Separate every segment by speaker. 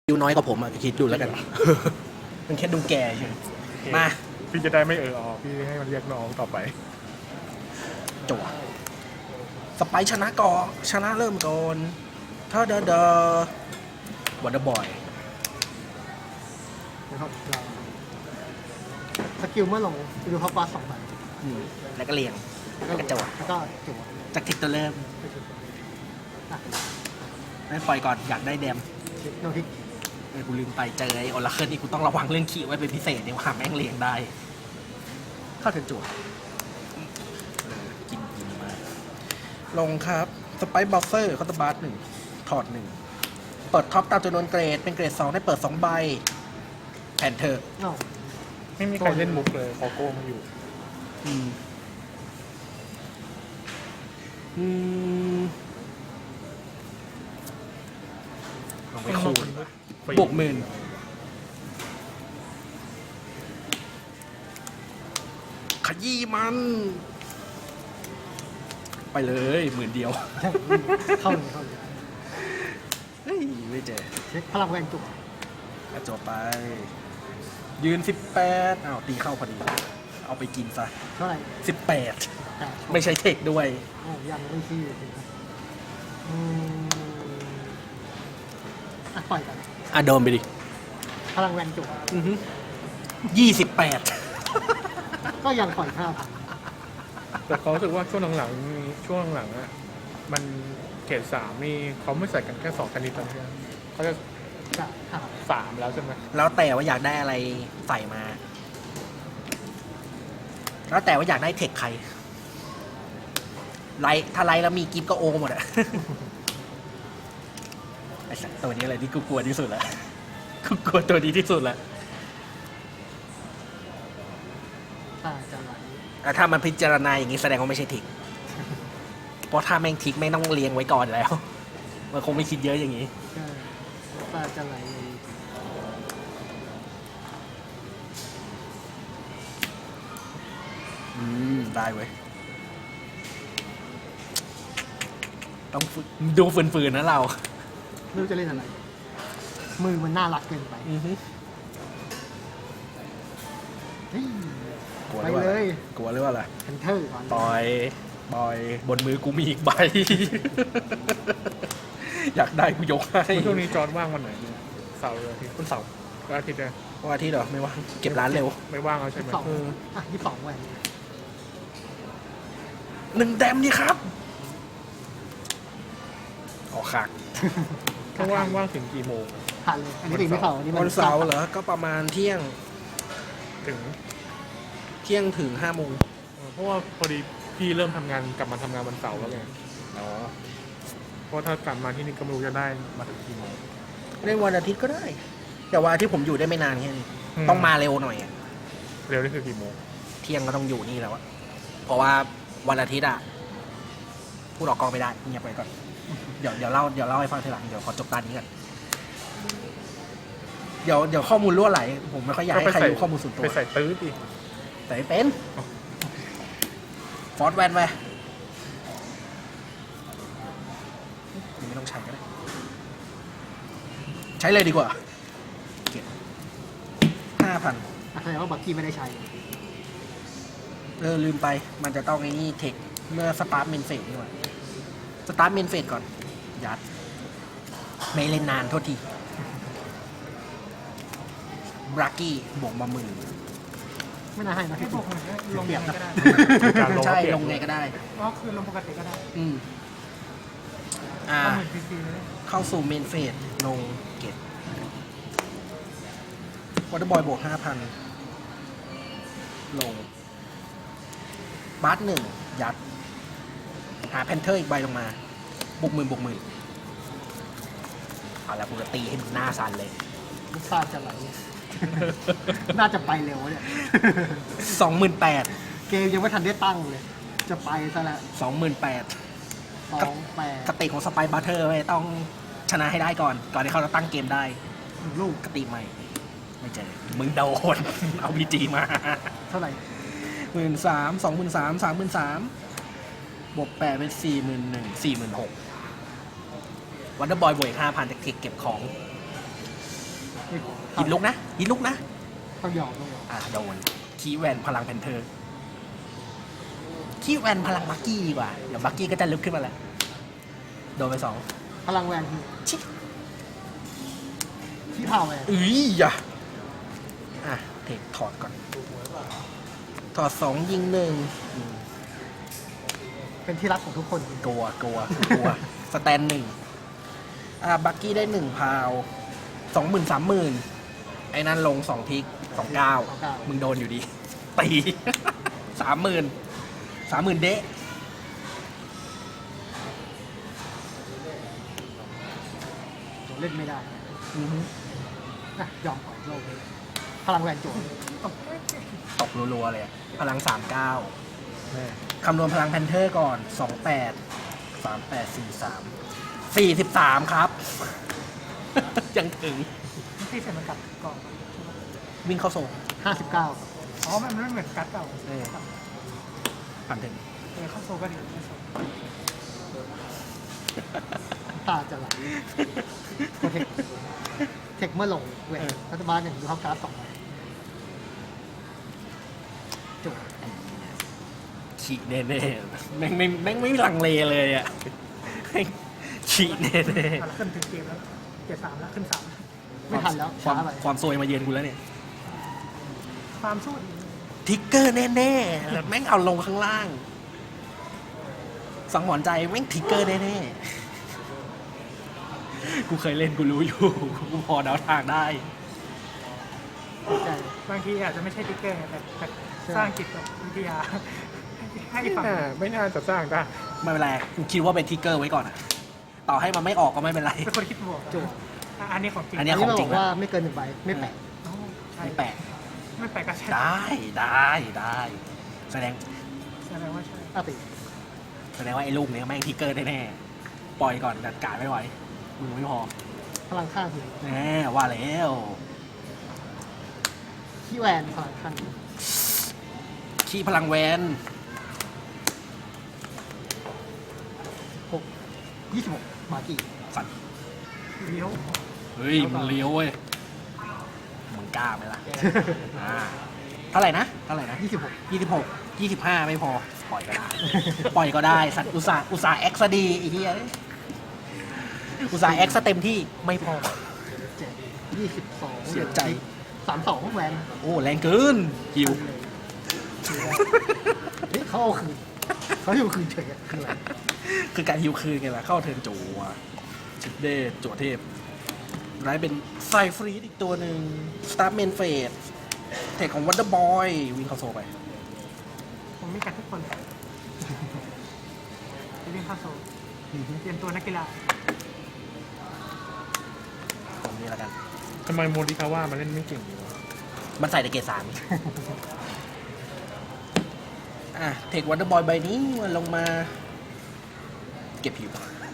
Speaker 1: ดูน้อยกว่าผมอ่ะคิดดูแล้วกัน มันแค่ดูแก่เฉยมา
Speaker 2: พี่จะได้ไม่พี่ให้มันเรียกน้องต่อไป
Speaker 1: จั่วสไปชนะก่อนชนะเริ่มก่อนถ้าเดอวันเดอร์บอย
Speaker 3: นะครับเราสกิลเมื่อลงดูเขาปา2 ใบ
Speaker 1: แล้วก็เรียง แล้วก็จั่ว
Speaker 3: แล้วก็จั่ว
Speaker 1: จากทิกตัวเริ่ม
Speaker 3: อ่ะ
Speaker 1: ไม่ปล่อยก่อนอยากได้แดม
Speaker 3: โนทิก
Speaker 1: กูลืมไปเจอไอ้ออราเคิลนี่กูต้องระวังเรื่องขี้ไว้เป็นพิเศษเนี่ยว่าแม่งเรียงได้ เข้าถึงจั่วกินมากลงครับสไปบัฟเฟอร์คอร์ตบาร์หนึ่งถอดหนึ่งเปิดท็อปตามจำนวนเกรดเป็นเกรด2ได้เปิด2 ใบแผ่นเธอ
Speaker 3: เนาะ
Speaker 2: ไม่มีใครเล่นมุกเลยขอโกงอยู่
Speaker 1: ลงไปคูณ
Speaker 2: ฟรี
Speaker 1: บวกหมื่นขยี้มัน ไปเลย10,000 เดียว
Speaker 3: เข้าเลยเข้าเลย
Speaker 1: เฮ้ย ไม่เจอ
Speaker 3: เช็คพลังแวนจั่ว
Speaker 1: กระจบไป ยืน 18อ้าวตีเข้าพอดี เอาไปกินซะ
Speaker 3: เท่าไหร่
Speaker 1: 18
Speaker 3: แต่
Speaker 1: ไม่ใช่เทคด้วย
Speaker 3: โอ้ยังไม่ขี้เลยสิครับอ่ะปล่อยกัน
Speaker 1: อ่ะโดนไปดิ
Speaker 3: พลังแวนจั่ว
Speaker 1: 28
Speaker 3: ก็ยังปล่อย5,000
Speaker 2: แต่เขารู้สึกว่าช่วงหลังๆอ่ะมันเกรด3นี่เขาไม่ใส่กันแค่2ชนิดแล้วใช่ไหมเขาจะ
Speaker 3: จะหา
Speaker 2: 3แล้วใช่ไหม
Speaker 1: แล้วแต่ว่าอยากได้อะไรใส่มา แล้วแต่ว่าอยากได้เทคใคร ไลท์ถ้าไลท์แล้วมีกิฟต์ก็โอหมดอะ ไอ้สัตว์ตัวนี้อะไรที่กูกลัวที่สุดละ กูกลัวตัวนี้ที่สุดละ
Speaker 3: ตาจะไหล
Speaker 1: ถ้ามันพิจารณาอย่างนี้แสดงว่าไม่ใช่ทิก เพราะถ้าแม่งทิกแม่งต้องเรียงไว้ก่อนแล้ว มันคงไม่คิดเยอะอย่างนี้
Speaker 3: ตาจะไหล
Speaker 1: ได้เว้ย ต้องฝึกดูฝืนๆนะเรา
Speaker 3: ไม่รู้จะเล่นอะไร มือมันน่ารักเกินไปเฮ้ย
Speaker 1: กลัว
Speaker 3: ไป
Speaker 1: หรือ
Speaker 3: เล
Speaker 1: ว่าย กลัวหรือว่าอะไร
Speaker 3: แพนเทอร์ก่อน
Speaker 1: ปล่อยบนมือกูมีอีกใบ อยากได้กูยกให้
Speaker 2: ช่วงนี้จอร์ดว่างวันไหนเนี่ยเสาร์หรืออาทิตย์
Speaker 1: วันเสาร์
Speaker 2: วันอาทิตย์เนี่ย
Speaker 1: วันอาทิตย์เหรอไม่ว่างเก็บร้านเร็ว
Speaker 2: ไม่ว่างแล้วใช่ไหม
Speaker 3: อ่ะ22แหวน
Speaker 1: 1 แดมนี่ครับออกคัก
Speaker 2: ถ้าว่างถึงกี่โมง
Speaker 3: ผ่านเลยอันนี้ติดไม่เสาร์อันนี้มั
Speaker 1: วันเสาร์เหรอ ก็ประมาณเที่ยง
Speaker 2: ถึง
Speaker 1: ถึง5 โมง
Speaker 2: เพราะว่าพอดีพี่เริ่มทำงานกลับมาทำงานวันเสาร์แล้วไง
Speaker 1: อ๋อ
Speaker 2: เพราะถ้ากลับมาที่นี่ก็ไม่รู้จะได้มาถึงกี่โมง
Speaker 1: เล่นวันอาทิตย์ก็ได้ แต่ว่าที่ผมอยู่ได้ไม่นานแค่นี้ ต้องมาเร็วหน่อยอะ
Speaker 2: เร็วนี่คือกี่โมง
Speaker 1: เที่ยงก็ต้องอยู่นี่แล้วอะเพราะว่าวันอาทิตย์อะพูดออกกองไม่ได้เงียบไปก่อน เดี๋ยวเล่าให้ฟังทีหลัง เดี๋ยวขอจบตอนนี้ก่อนเดี๋ยวข้อมูลรั่วไหล ผมไม่ค่อยอยากให้ใครรู้ข้อมูลส่วนตัว
Speaker 2: ไปใส่ตื้อดิ
Speaker 1: แต่ไม่เป็นฟอร์ดแวนไปไม่ต้องใช้ก็ได้ ใช้เลยดีกว่า เก็บ5,000
Speaker 3: แสดงว่าบักกี้ไม่ได้ใช้
Speaker 1: ลืมไป มันจะต้องไอ้นี่เทค เมื่อสตาร์ทเมนเฟสนี่หว่าสตาร์ทเมนเฟสก่อน ยัด ไม่เล่นนานโทษทีบรากี้บวกมา10,000
Speaker 3: ไม่น่าให้นะให้บอกลงเปรียบนะ
Speaker 2: การลง
Speaker 1: ใช่
Speaker 2: เปลี่ยน
Speaker 1: ลงไงก็ได้
Speaker 3: ก็คือลงปกติก็ได้
Speaker 1: อืมอ่า
Speaker 3: เหมือนฟรีๆเลย
Speaker 1: เข้าสู่เมนเฟสลงเกตวอเตอร์บอยบวก 5,000 ลงบาร์1ยัด หาแพนเทอร์อีกใบลงมาบุกหมื่นเอาละกูจะตีให้มึงหน้าสั่นเลย
Speaker 3: ลูกตาจะไหล น่าจะไปเร็วเนี่ย
Speaker 1: 28,000
Speaker 3: เกมยังไม่ทันได้ตั้งเลย จะไปซะแล้ว
Speaker 1: 28,000
Speaker 3: 28
Speaker 1: กติของสไปบัตเทอร์ไว้ต้องชนะให้ได้ก่อนที่เขาจะตั้งเกมได้
Speaker 3: ลูก
Speaker 1: กติใหม่ ไม่เจอ มึงโดน เอาพีจีมา
Speaker 3: เท่าไหร่
Speaker 1: 13,000 23,000 33,000บวก8เป็น41,000 46,000วันเดอร์บอยบวกอีก 5,000จากเทคเก็บของ
Speaker 3: ไม่พอ
Speaker 1: หินลุกนะหินลุกนะ
Speaker 3: ต้องยอมต้องยอม
Speaker 1: โดนคีแวนพลังแพนเทอร์คีแวนพลังบักกี้ดีกว่าเดี๋ยวบักกี้ก็จะลุกขึ้นมาแล้วโดนไปสอง
Speaker 3: พลังแวนคือ
Speaker 1: ชิ
Speaker 3: ที่พาวแวน
Speaker 1: อย่าเทคถอดก่อนถอดสองยิงหนึ่ง
Speaker 3: เป็นที่รักของทุกคน
Speaker 1: กลัวสแตนหนึ่งบักกี้ได้หนึ่งพาว20,000 30,000ไอ้นั่นลง2ทิก29มึงโดนอยู่ดีตี 30,000เดะ
Speaker 3: เล่นไม่ได้
Speaker 1: อือฮึ
Speaker 3: นะยอมปล่อยโลกเลยพลังแวนโจม
Speaker 1: ตกรัวๆเลยอะพลัง 39
Speaker 2: แม่
Speaker 1: คำนวณพลังแพนเทอร์ก่อน 28 38 43ครับ ยังถึง
Speaker 4: ที่เสร็จมันกลับก่อน
Speaker 1: วิ่งเข้าโซน
Speaker 3: 59
Speaker 4: อ๋อ มันไม่เหมือนกัดเก่า
Speaker 1: ผ่านถึง
Speaker 4: เข้าโซก็ดีไม่โซ
Speaker 3: ตาจะไหลโปรเทคเทคเมื่อลงเวนรัฐบาล1ดูเข้าการ์ด2ใบจบ
Speaker 1: ฉีแน่ๆแม่งไม่ลังเลเลยอ่ะแม่งฉีแน่
Speaker 4: ขึ้นถึงเกมแล้วเกม3แล้วขึ้น
Speaker 1: ๆ
Speaker 3: ไม่ทันแล้ว
Speaker 1: ควา
Speaker 3: ช้าม ไป
Speaker 1: ความซวยมาเยือนกูแล้วเนี่ย
Speaker 4: 3ความสู้ดี
Speaker 1: ทิกเกอร์แน่ๆแม่งเอาลงข้างล่าง สังหรณ์ใจแม่งทิกเกอร์แน่ๆกูเคยเล่นกูรู้อยู่ กูพอเดาทางได้
Speaker 3: ใจ
Speaker 4: บางทีอาจจะไม่ใช่ติ๊กเกอร์ไงแต่สร้างจิตวิทยาให้ฝั่ง
Speaker 2: ไม่น่าจะสร้างได้
Speaker 1: ไม่เป็นไรกูคิดว่าเป็นทิกเกอร์ไว้ก่อนอะต่อให้มันไม่ออกก็ไม่เป็นไร
Speaker 4: เป็นคนคิดบวก
Speaker 3: จบ
Speaker 4: อันนี้ของจริง
Speaker 1: อั
Speaker 3: อั
Speaker 1: น
Speaker 3: น
Speaker 1: เนี้ย
Speaker 3: นี้
Speaker 1: ข
Speaker 3: เรา
Speaker 1: องจริ
Speaker 3: บ
Speaker 1: ง
Speaker 3: อกว่าไม่เกิน1 ใบไม่แปะ
Speaker 4: ใช่
Speaker 1: ไม่แปลก
Speaker 4: ไม่แปลกก็ใช่
Speaker 1: ได้แสดง
Speaker 4: แสดงว่าใช่
Speaker 3: อาติ
Speaker 1: แสดงว่าไอ้ลูกเนี้ยแม่งทิกเกอร์แน่ๆปล่อยก่อนจัดการไม่ไหวมือไม่พอ
Speaker 3: พลังข้างคือ
Speaker 1: แน่ว่าแล้ว
Speaker 3: ที่แวนพลังข้าง
Speaker 1: ขี้พลังแวน
Speaker 3: 26มากี่
Speaker 1: สัตว์
Speaker 4: เลี้ยว
Speaker 1: เฮ้ยมันเลี้ยวเว้ยมึงกล้าไหมล่ะเท่าไหร่นะ
Speaker 3: 26
Speaker 1: 25ไม่พอปล่อยก็ได้ ปล่อยก็ได้สัตว์อุตส่าห์เอ็กซ์ดีไอ้เหี้ยอุตส่าห์เอ็กซ์เต็มที่ไม่พอ
Speaker 3: 22
Speaker 1: เสียใจ
Speaker 3: 32แวน
Speaker 1: โอ้แรงเกินหิว
Speaker 3: เฮ้ยเขาเอาคืนเขาอยู่คืนเฉยอะคืออะไร
Speaker 1: คือการฮิวคืนไงล่ะ เข้าเทิร์นจัวชิดเดจัวเทพไรเป็นไซฟรีดอีกตัวหนึ่งสตาร์เมนเฟสเทคของวันเดอร์บอยวิ่งเข้าโซไป
Speaker 4: ผมมีกัดทุกคนเลยจะเรียนเข้าโซเตรียมตัวนักกีฬา
Speaker 1: ตรงนี้แล้วกัน
Speaker 2: ทำไมโมดิคาว่ามันเล่นไม่เก่งอยู่วะ
Speaker 1: มันใส่ในเกรด3เทควันเดอร์บอยใบนี้มันลงมา เก็บผิว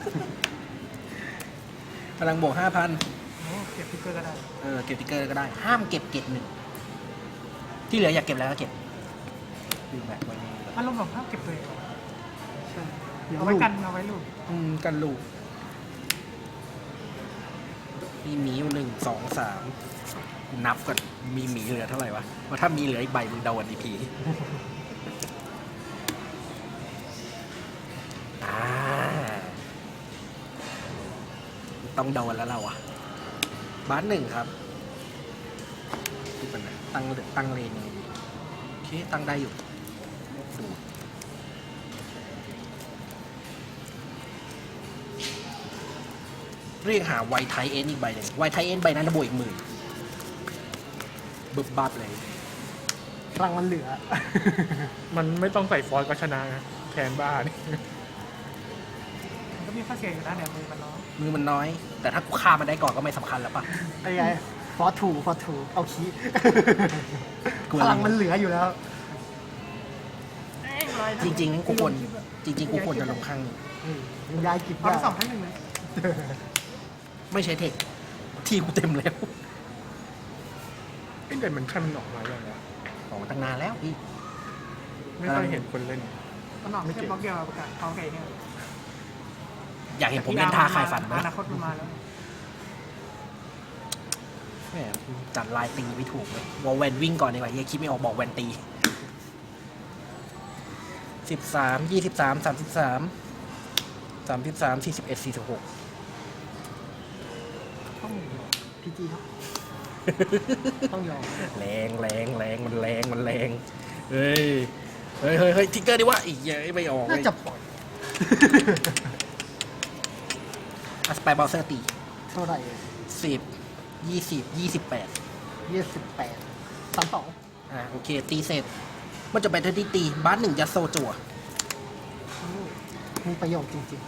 Speaker 1: พลังบวก 5,000
Speaker 4: โอ้เก็บพิกเกอร์ก็ได้
Speaker 1: เก็บติ๊กเกอร์ก็ได้ ห้ามเก็บเกรด1ที่เหลืออยากเก็บแล้วก็เก็บดึงแบกไว้นี่
Speaker 4: อารมณ์แบบภาพเก็บตัวเองเหรอ
Speaker 3: ใช่
Speaker 4: เอาไว้กันเอาไว้ลูก
Speaker 1: กันลูกมีหมีอยู่1 2 3นับก่อนมีหมีเหลือเท่าไหร่วะว่าถ้ามีเหลืออีกใบมึงโดนอีพีต้องโดนแล้วเราอะบาส1ครับดูกันนะตั้งเลนยังไงดีโอเคตั้งได้อยู่ดูเรียกหาไวไทเอ็นอีกใบหนึ่งไวไทเอ็นใบนั้นจะบวกอีก10,000บึบบับเลย
Speaker 3: พลังมันเหลือ
Speaker 2: มันไม่ต้องใส่ฟอยล์ก็ชนะนะแทนบ้านี่
Speaker 4: มันก็มีข้อเสียอยู่นะเนี่ยมือมันน้อย
Speaker 1: มือมันน้อย แต่ถ้ากูฆ่ามันได้ก่อนก็ไม่สำคัญแล้วปะ
Speaker 3: ไอ้ไงฟอร์ทูเอาคี
Speaker 1: กลัว
Speaker 3: พลังมันเหลืออยู่แล้ว
Speaker 1: จริงๆกูควรกูควรจะลงข้าง
Speaker 3: มันย้ายกิจ
Speaker 4: เอา
Speaker 3: ได้
Speaker 4: ไป2 ทั้ง 1เลย
Speaker 1: ไม่ใช้เทคที่กูเต็มแล้ว
Speaker 2: ไอ้เด่นมันขั้นมันออกมาอย่างไร
Speaker 1: ออกมาตั้งนานแล้วพี่
Speaker 2: ไม่ค่อยเห็นคนเล่น
Speaker 4: มันหนอกไม่ใช่บล็อกเดียวประกาศเขาไก่เนี่ย
Speaker 1: อยากเห็นผมเล่นท่าคลายฝันไหม
Speaker 4: อนาคตมันมาแล้ว
Speaker 1: แหมจัดลายตีไม่ถูกเลยวอลแวนวิ่งก่อนดีกว่าเฮียคิดไม่ออกบอกแวนตี13 23 33 33 41 46
Speaker 3: ต้องพีจีครับ ต้องยอม
Speaker 1: แรงมันแรงเฮ้ยทิกเกอร์ดิวะอีกเยอะไม่ออก
Speaker 3: น่าจะปล่อย
Speaker 1: อัสไปบอลเซอร์ตี
Speaker 3: เท่าไหร่
Speaker 1: 10 20 28
Speaker 3: 28 32
Speaker 1: โอเค ตีเสร็จ มันจะไปที่ตีบ้านหนึ่งยัดโซจั่ว
Speaker 3: มีประโยชน์จริง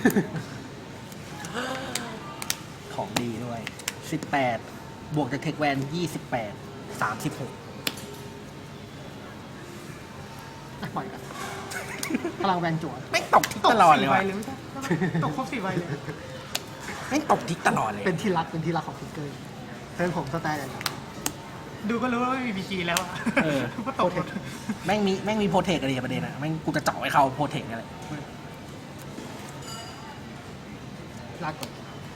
Speaker 1: ของดีด้วย 18 บวกจากเทคแวน 28 36
Speaker 3: ๆอ่ะปล่อยกันพลังแวนจั่ว
Speaker 1: แม่งตกทิกตลอดเลย
Speaker 4: 4ใบ
Speaker 1: ว่ะ
Speaker 4: เลยไม่ใช่ตกครบ4ใบเลย
Speaker 1: แม่งตกทิกตลอดเลย
Speaker 3: เป็นที่รักของฟิกเกอร์เทิร์นผมสแตนเลยนะ
Speaker 4: ดูก็รู้ว่าไม่มีบีจีแล้วอ่ะ
Speaker 1: เออ
Speaker 4: ก็ตกหมด
Speaker 1: แม่งมีโปรเทคอะไรประเด็นอะแม่งกูจะเจาะให้เขาโปรเทคอะไร
Speaker 3: ลากก่อน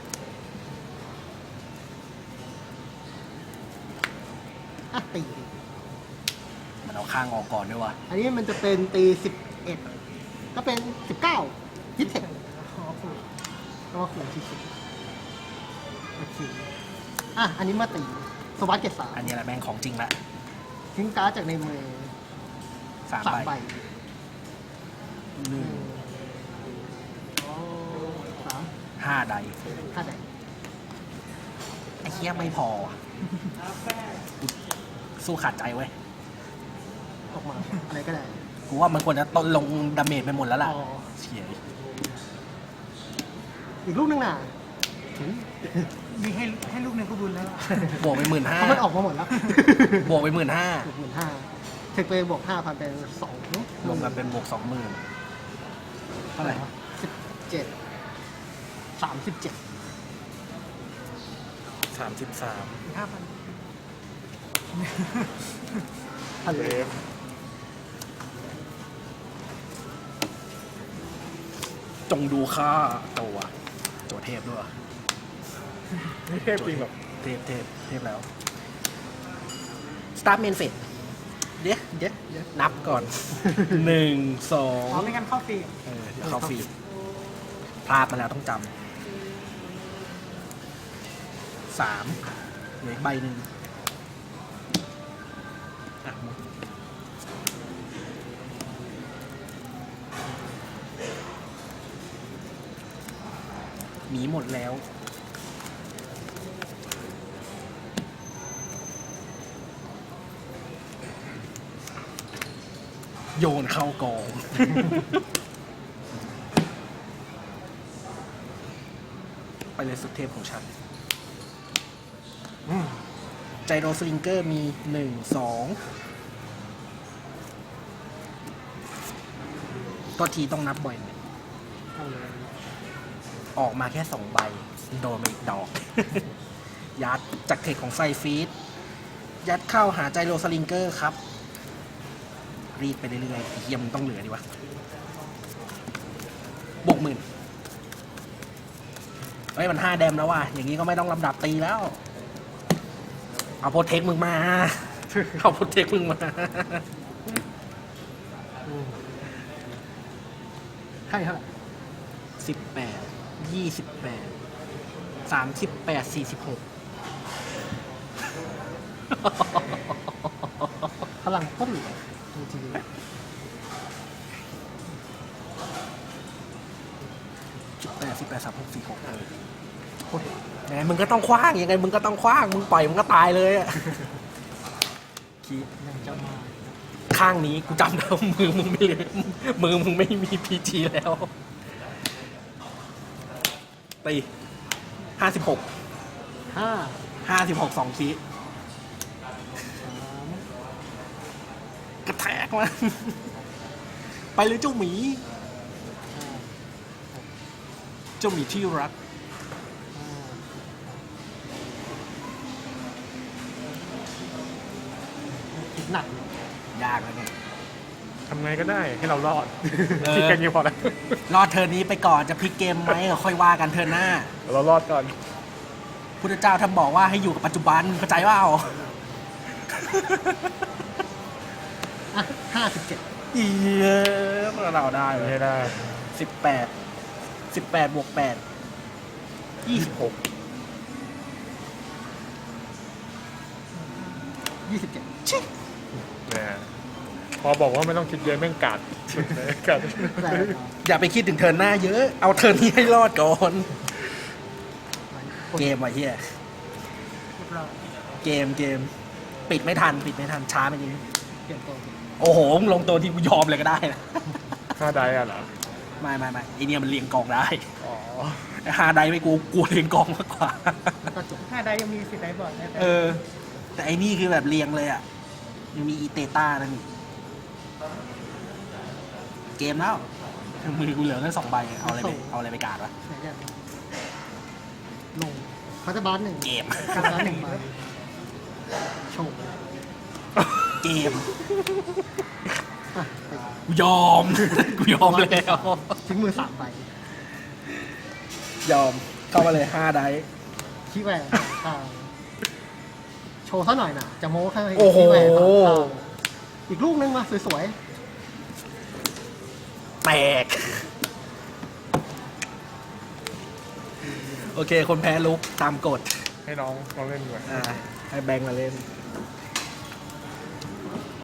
Speaker 3: อ่ะตี
Speaker 1: มันเอาข้างออกก่อนด้วยว่ะ
Speaker 3: อันนี้มันจะเป็นตี 11 ก็เป็น 19ยิทเทค
Speaker 4: อ๋อถูก
Speaker 3: ก็ว่าขู่ที่สุดโอเคอ่ะ อันนี้มาตีสวัสดเกตสาม
Speaker 1: อันนี้แหละแม่งของจริงละ
Speaker 3: ทิ้งการ์ดจากในมือ
Speaker 1: 3
Speaker 3: 3
Speaker 1: ใบ
Speaker 3: ใบ
Speaker 1: หนึ่ง
Speaker 3: 3
Speaker 1: 5 ใด
Speaker 3: 5ใด
Speaker 1: ไอ้เหี้ยไม่พอว่ะสู้ขาดใจเว้ย
Speaker 3: ออกมา อะไรก็ได้
Speaker 1: กูว่ามันควรจะต้นลงดาเมจไปหมดแล้วล่ะ
Speaker 3: อ๋อ
Speaker 1: เฉีย
Speaker 3: อีกลูกนึงน่ะถึง
Speaker 4: มีให้ลูกหนึ่งก็บุญแล้วอะ
Speaker 1: บวกไป 15,000
Speaker 3: เพราะมันออกมาหมดแล้ว
Speaker 1: บวกไป 15,000
Speaker 3: บวก15,000เทคไปบวก 5,000 เป็น2
Speaker 1: รวมกันเป็นบวก 20,000 เท่าไหร่
Speaker 3: 17 37
Speaker 1: 33
Speaker 4: 5,000
Speaker 3: ทะเล
Speaker 1: จงดูค่าตัวเทพด้วย
Speaker 2: นี่เทพจริงแบบ
Speaker 1: เทพแล้ว Start Main Phase เดี๋ยวนับก่อน 1
Speaker 4: อ๋อ
Speaker 1: 2
Speaker 4: ไม่งั้นเข้าฟรี
Speaker 1: เดี๋ยวเข้าฟรีพลาดมาแล้วต้องจำ3เหลืออีกใบหนึ่งอ่ะหมดหมีหมดแล้ว โยนเข้ากอง ไปเลยสุดเทพของฉัน ไจโรสลิงเกอร์มี 1 2ก็ทีต้องนับบ่อยหน่อย
Speaker 3: เอาเลย
Speaker 1: ออกมาแค่ 2 ใบ โดนมาอีกดอก ยัดจากเทคของไซฟีดยัดเข้าหาไจโรสลิงเกอร์ครับ รีดไปเรื่อยๆเฮียมนต้องเหลือดีวะบวก 10,000เฮ้ย มัน 5 แดมแล้วว่ะ อย่างนี้ก็ไม่ต้องลำดับตีแล้ว เอาโปรเทคมึงมา เอาโปรเทคมึงมา
Speaker 3: ให้เท่าไหร่
Speaker 1: 18 28 38 46
Speaker 3: พลังก็เหลือจริง
Speaker 1: 18 36 46
Speaker 3: ๆโคตร
Speaker 1: แหมมึงก็ต้องคว้างยังไงมึงก็ต้องคว้าง มึงปล่อยมึงก็ตายเลยอะคิด
Speaker 3: ยังจะมา
Speaker 1: ข้างนี้กูจำได้ว่ามือมึงไม่เหลือมือมึงไม่มีพีจีแล้วตี56
Speaker 3: 5
Speaker 1: 56 2คีกระแทกมา ไปเลยเจ้าหมี เจ้าหมีที่รัก
Speaker 3: คิดหนัก
Speaker 1: ยากแล้วเนี่ย
Speaker 2: ทำไงก็ได้ให้เรารอด
Speaker 1: เออ
Speaker 2: คิดแค่นี้พอแล้ว
Speaker 1: รอดเทิร์นนี้ไปก่อนจะพลิกเกมไหมก็ค่อยว่ากันเทิร์นหน้า
Speaker 2: เรารอดก่อน
Speaker 1: พุทธเจ้าท่านบอกว่าให้อยู่กับปัจจุบันเข้าใจว่า
Speaker 3: อ่ะ57
Speaker 1: อีเราได้เล
Speaker 2: ไม่
Speaker 1: ย
Speaker 2: ได้
Speaker 1: 18 บวก 8 26
Speaker 3: 27
Speaker 1: ชิ
Speaker 2: เนี่ยพอบอกว่าไม่ต้องคิดเยอะแม่งกัดสุดเลยกัด
Speaker 3: แต่
Speaker 1: อย่าไปคิดถึงเทิร์นหน้าเยอะ เอาเทิร์นนี้ให้รอดก่อน เกมว่ะเฮีย
Speaker 4: เรียบร้อย
Speaker 1: เกม ปิดไม่ทัน ช้าไปนิดนึง
Speaker 3: เปลี่ยนตัว
Speaker 1: โอ้โหมึงลงตัวที่กูยอมเลยก็ได้นะ
Speaker 2: 5 ได้อะเหรอ
Speaker 1: ไม่ไอเนี่ยมันเรียงกองได้
Speaker 2: อ๋อ
Speaker 1: ฮาไดไม่กูกลัวเรียงกองมากกว่า
Speaker 3: แล้วก็จบ
Speaker 4: 5 ได้ยังมี10 ได้บอร์ดนะแต่
Speaker 1: เออ แต่ไอ้นี่คือแบบเรียงเลยอ่ะ ยังมีอีเตต้านั่นอีกเกมแล้ว มือกูเหลือแค่2 ใบ เอาอะไรไปกาดวะ
Speaker 3: ไหนจะลงพัตบาร์1
Speaker 1: เกม
Speaker 3: พัตบาร์1ใบโชว์
Speaker 1: เกม
Speaker 3: อ่ะไป
Speaker 1: กูยอม กูยอมแล้ว
Speaker 3: ทิ้งมือ3 ใบ
Speaker 1: ยอม เข้ามาเลย5 ได
Speaker 3: ขี้แหวนข้างโชว์ซะหน่อยนะจะโม้ข้าง
Speaker 1: โอ้โห
Speaker 3: ขี้แหวนข้างอีกลูกนึงมาสวย
Speaker 1: แตก โอเค คนแพ้ลุกตามกฎ
Speaker 2: ให้น้องเล่นดีกว่า
Speaker 1: ให้แบงค์มาเล่น